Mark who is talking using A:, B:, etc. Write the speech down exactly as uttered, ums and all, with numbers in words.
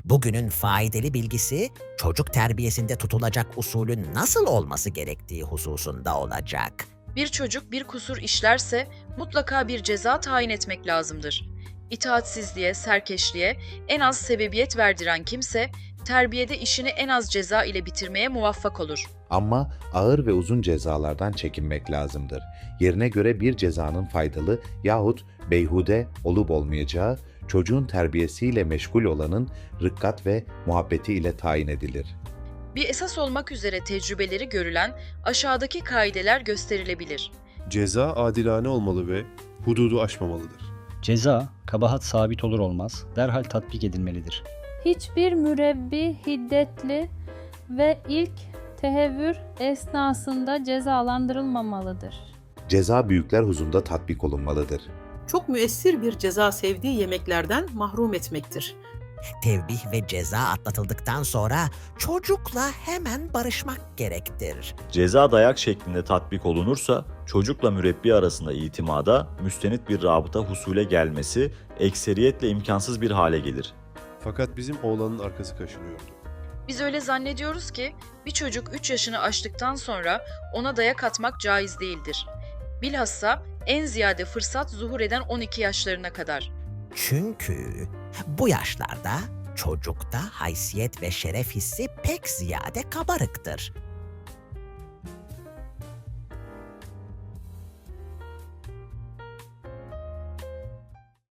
A: Bugünün faydalı bilgisi çocuk terbiyesinde tutulacak usulün nasıl olması gerektiği hususunda olacak.
B: Bir çocuk bir kusur işlerse mutlaka bir ceza tayin etmek lazımdır. İtaatsizliğe, serkeşliğe en az sebebiyet verdiren kimse, terbiyede işini en az ceza ile bitirmeye muvaffak olur.
C: Ama ağır ve uzun cezalardan çekinmek lazımdır. Yerine göre bir cezanın faydalı yahut beyhude olup olmayacağı, çocuğun terbiyesiyle meşgul olanın rıkkat ve muhabbeti ile tayin edilir.
B: Bir esas olmak üzere tecrübeleri görülen aşağıdaki kaideler gösterilebilir.
D: Ceza adilane olmalı ve hududu aşmamalıdır.
E: Ceza, kabahat sabit olur olmaz, derhal tatbik edilmelidir.
F: Hiçbir mürebbi hiddetli ve ilk tehevvür esnasında cezalandırılmamalıdır.
C: Ceza büyükler huzurunda tatbik olunmalıdır.
G: Çok müessir bir ceza sevdiği yemeklerden mahrum etmektir.
A: Tevbih ve ceza atlatıldıktan sonra çocukla hemen barışmak gerektir.
H: Ceza dayak şeklinde tatbik olunursa çocukla mürebbi arasında itimada müstenit bir rabıta husule gelmesi ekseriyetle imkansız bir hale gelir.
D: Fakat bizim oğlanın arkası kaşınıyordu.
B: Biz öyle zannediyoruz ki bir çocuk üç yaşını aştıktan sonra ona dayak atmak caiz değildir. Bilhassa en ziyade fırsat zuhur eden on iki yaşlarına kadar.
A: Çünkü bu yaşlarda çocukta haysiyet ve şeref hissi pek ziyade kabarıktır.